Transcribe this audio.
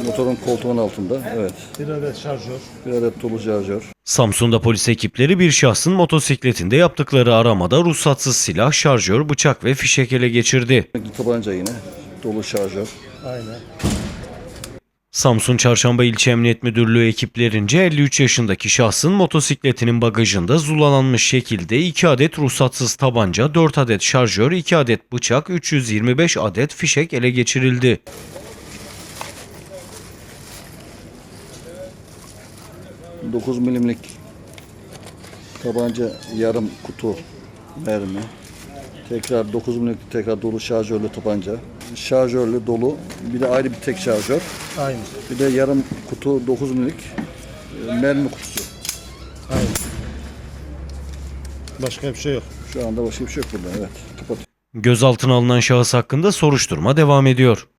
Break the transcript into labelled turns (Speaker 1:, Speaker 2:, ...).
Speaker 1: Motorun koltuğun altında. Evet.
Speaker 2: Bir adet şarjör.
Speaker 1: Bir adet dolu şarjör.
Speaker 3: Samsun'da polis ekipleri bir şahsın motosikletinde yaptıkları aramada ruhsatsız silah, şarjör, bıçak ve fişek ele geçirdi.
Speaker 1: Tabanca yine. Dolu şarjör.
Speaker 2: Aynen.
Speaker 3: Samsun Çarşamba İlçe Emniyet Müdürlüğü ekiplerince 53 yaşındaki şahsın motosikletinin bagajında zulalanmış şekilde 2 adet ruhsatsız tabanca, 4 adet şarjör, 2 adet bıçak, 325 adet fişek ele geçirildi.
Speaker 1: ...9 milimlik tabanca, yarım kutu mermi. Tekrar 9 milimlik tekrar dolu şarjörlü tabanca. Şarjörlü dolu. Bir de ayrı bir tek şarjör.
Speaker 2: Aynen.
Speaker 1: Bir de yarım kutu 9 milimlik mermi kutusu.
Speaker 2: Aynen. Başka bir şey yok.
Speaker 1: Şu anda başka bir şey yok burada. Evet. Kapat.
Speaker 3: Gözaltına alınan şahıs hakkında soruşturma devam ediyor.